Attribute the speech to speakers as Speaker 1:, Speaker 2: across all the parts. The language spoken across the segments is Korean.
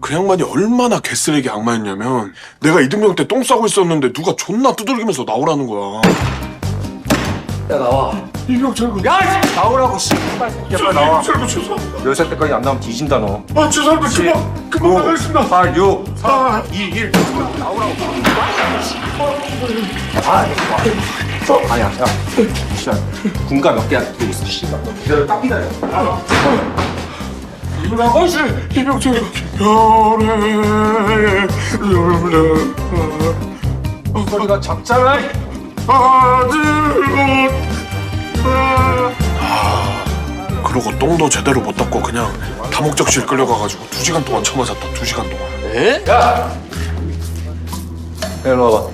Speaker 1: 그 양반이 얼마나 개쓰레기 악마였냐면 내가 이등병 때 똥 싸고 있었는데 누가 존나 두들기면서 나오라는 거야.
Speaker 2: 야 나와.
Speaker 1: 이병 철구.
Speaker 2: 야 나오라고 씨발 새끼야 빨리 나와.
Speaker 1: 철구 죄송.
Speaker 2: 10살 때까지 안 나오면 뒤진다 너.
Speaker 1: 아 죄송합니다. 금방 나가겠습니다.
Speaker 2: 8, 6,
Speaker 1: 4,
Speaker 2: 2, 1 나오라고. 아니야 야 진짜 군가 몇 개야 들고 있어 씨발 너 기다려 딱 기다려.
Speaker 1: 아저씨 이병 철구.
Speaker 2: 소리가 작잖아.
Speaker 1: 그러고 똥도 제대로 못 닦고 그냥 다목적실 끌려가가지고 2시간 동안 처맞았다. 2시간 동안.
Speaker 2: 에? 야! 일로 와봐.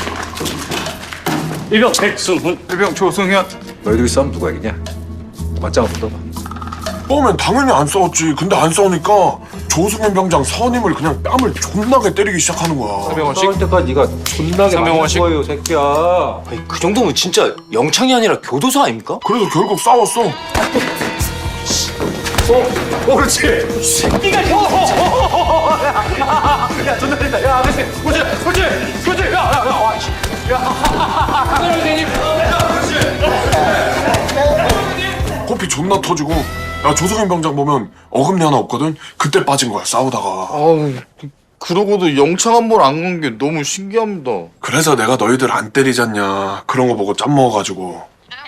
Speaker 3: 일병 백승훈.
Speaker 2: 일병 조승현. 너희들이 싸움 누가 이기냐? 맞짱 붙어봐.
Speaker 1: 싸우면 당연히 안 싸웠지. 근데 안 싸우니까 조승현 병장 선임을 그냥 뺨을 존나게 때리기 시작하는 거야.
Speaker 2: 싸울 때까지 네가 존나게 맞는 거예요 새끼야.
Speaker 4: 아니, 그 정도면 진짜 영창이 아니라 교도소 아닙니까?
Speaker 1: 그래서 결국 싸웠어.
Speaker 2: 그렇지.
Speaker 3: 네가 야 존나 된다. 야 아저씨 그렇지 야 선생님.
Speaker 1: 코피 존나 터지고 야 조승현 병장 보면 어금니 하나 없거든. 그때 빠진 거야 싸우다가.
Speaker 5: 아우, 그러고도 영창 한 번 안 간 게 너무 신기합니다.
Speaker 1: 그래서 내가 너희들 안 때리잖냐. 그런 거 보고 짬 먹어가지고.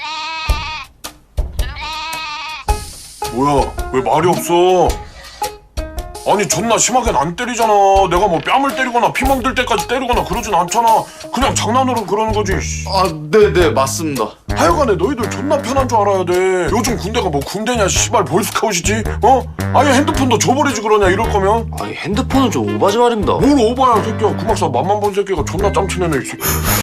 Speaker 1: 뭐야 왜 말이 없어? 아니 존나 심하게는 안 때리잖아. 내가 뭐 뺨을 때리거나 피멍 들 때까지 때리거나 그러진 않잖아. 그냥 장난으로 그러는 거지.
Speaker 5: 아, 네네, 맞습니다.
Speaker 1: 하여간에 너희들 존나 편한 줄 알아야 돼. 요즘 군대가 뭐 군대냐 씨발 보이스카웃이지? 어? 아예 핸드폰도 줘버리지 그러냐 이럴 거면.
Speaker 4: 아니 핸드폰은 좀 오바지 말입니다.
Speaker 1: 뭘 오바야 새끼야. 구막사 맘만 본 새끼가 존나 짬치네네.